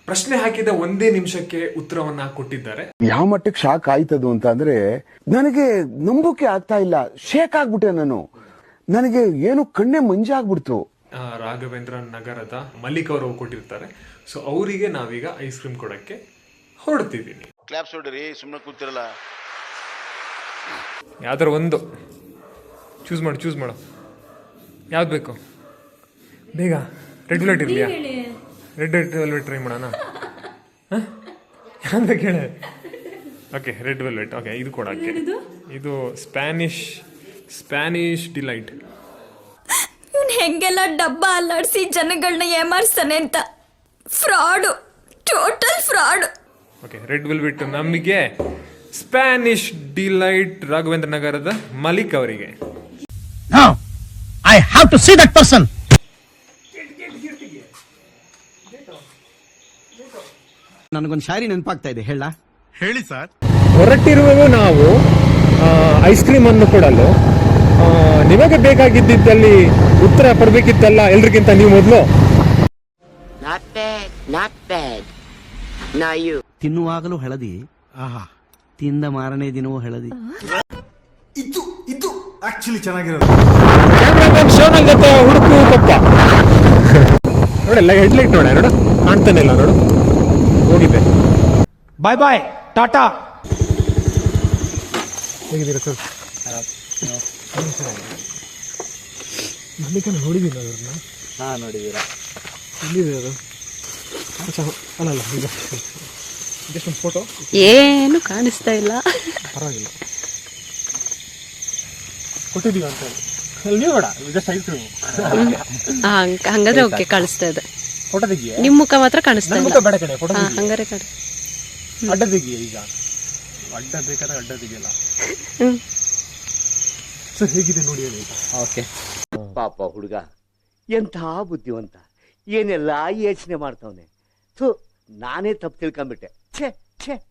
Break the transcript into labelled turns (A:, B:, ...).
A: ಪ್ರಶ್ನೆ ಹಾಕಿದ ಒಂದೇ ನಿಮಿಷಕ್ಕೆ ಉತ್ತರವನ್ನ ಕೊಟ್ಟಿದ್ದಾರೆ.
B: ಯಾವ ಮಟ್ಟಕ್ಕೆ ಶಾಕ್ ಆಯ್ತದು ಅಂತ ಅಂದ್ರೆ ನನಗೆ ನಂಬೋಕೆ ಆಗ್ತಾ ಇಲ್ಲ. ಶೇಕ್ ಆಗ್ಬಿಟ್ಟೆ ನಾನು. ನನಗೆ ಏನು ಕಣ್ಣೆ ಮಂಜಾಗ್ಬಿಡ್ತು.
A: ರಾಘವೇಂದ್ರ ನಗರದ ಮಲ್ಲಿಕ್ ಅವರು ಕೊಟ್ಟಿರ್ತಾರೆ. ಸೊ ಅವರಿಗೆ ನಾವೀಗ ಐಸ್ ಕ್ರೀಮ್ ಕೊಡಕ್ಕೆ ಹೊರಡ್ತಿದ್ದೀನಿ.
C: ಕ್ಲಾಪ್ಸ್ ಹೊಡ್ರಿ, ಸುಮ್ಮನೆ ಕೂತಿರಲ್ಲ.
A: ಯಾವ್ದಾರ ಒಂದು ಚೂಸ್ ಮಾಡು. ಯಾವ್ದು ಬೇಕು ಬೇಗ? ರೆಡ್ ವೆಲ್ವೆಟ್ ಇರಲಿಯಾ? ರೆಡ್ ವೆಲ್ವೆಟ್ ಟ್ರೈ ಮಾಡೋಣ. ಯಾವ್ದು ಬೇಕು ಹೇಳಿ? Okay, red velvet. ಓಕೆ, ಇದು ಕೊಡಕ್ಕೆ. ಇದು ಸ್ಪ್ಯಾನಿಷ್ ಡಿಲೈಟ್.
D: ಇವನು ಹೆಂಗೆಲ್ಲ ಡಬ್ಬ ಅಲ್ಲಾಡಿಸಿ ಜನಗಳನ್ನ ಏಮಾರಿಸ್ತಾನೆ ಅಂತ. Fraud, total fraud.
A: Okay, red velvet ನಮಗೆ. ಸ್ಪ್ಯಾನಿಷ್ ಡಿಲೈಟ್ ರಾಘವೇಂದ್ರ ನಗರದ ಮಲಿಕ್ ಅವರಿಗೆ.
E: I have to see that person. ನನಗೊಂದು ಶಾಯರಿ ನೆನಪಾಗ್ತಾ ಇದೆ, ಹೇಳಿ ಸರ್.
A: ಹೊರಟಿರುವೆವು ನಾವು ಐಸ್ ಕ್ರೀಮ್ ಅನ್ನು ಕೊಡಲು. ನಿಮಗೆ ಬೇಕಾಗಿದ್ದಲ್ಲಿ ಉತ್ತರ ಪಡಬೇಕಿತ್ತಲ್ಲ ಎಲ್ರಿಗಿಂತ ನೀವು ಮೊದಲು.
F: Not bad. Now you.
E: ತಿನ್ನುವಾಗಲೂ ಹಳದಿ, ತಿಂದ ಮಾರನೇ ದಿನವೂ ಹಳದಿ.
G: ಇದು ಆಕ್ಚುಲಿ ಚೆನ್ನಾಗಿರೋದು.
A: ಕ್ಯಾಮ್ರಾಮನ್ ಶೋನಲ್ ಜೊತೆ ಹುಡುಕು ಪಪ್ಪ ನೋಡಲ್ಲ, ಹೆಡ್ಲೈಟ್ ನೋಡು, ಕಾಣ್ತಾನೆ ಇಲ್ಲ ನೋಡು. ಹೋಗಿದೆ.
G: ಬಾಯ್ ಟಾಟಾ.
A: ಹೇಗಿದ್ದೀರಾ ಸರ್? ಮಲ್ಲಿಕನ ನೋಡಿದ್ದೀನಿ ಅವ್ರನ್ನ.
E: ನೋಡಿದೀರಾ?
A: ಎಲ್ಲಿದೆ ಅದು? ಅಲ್ಲ ಈಗ ಜಸ್ಟ್ ಒಂದು ಫೋಟೋ.
D: ಏನು ಕಾಣಿಸ್ತಾ ಇಲ್ಲ.
A: ಪರವಾಗಿಲ್ಲ, ಕೊಟ್ಟಿದ್ದೀವಿ ಅಂತ ಹೇಳಿ. ನೀವು ಬೇಡ, ಜಸ್ಟ್ ಐಸ್ ಕ್ರೀಮ್.
D: ಹಂಗಾದ್ರೆ ಓಕೆ, ಕಾಣಿಸ್ತಾ ಇದೆ.
A: ಫೋಟೋ ತೆಗಿಯೇ?
D: ನಿಮ್ ಮುಖ ಮಾತ್ರ ಕಾಣಿಸ್ತಾ ಇಲ್ಲ.
A: ಬೇಡ ಕಡೆ ಫೋಟೋ
D: ಹಂಗಾರೆ ಕಡೆ
A: ಅಡ್ಡ ತೆಗಿಯೇ. ಈಗ ಅಡ್ಡ ಬೇಕಾದ್ರೆ ಅಡ್ಡ ತೆಗಿಯಲ್ಲ. ಸರ್ ಹೇಗಿದೆ ನೋಡಿ ಹೇಳಿ.
E: ಓಕೆ.
F: ಪಾಪ ಹುಡುಗ ಎಂಥ ಬುದ್ಧಿವಂತ, ಏನೆಲ್ಲ ಯೋಚನೆ ಮಾಡ್ತಾವನೆ. ನಾನೇ ತಪ್ಪು ತಿಳ್ಕೊಂಡ್ಬಿಟ್ಟೆ. ಛೇ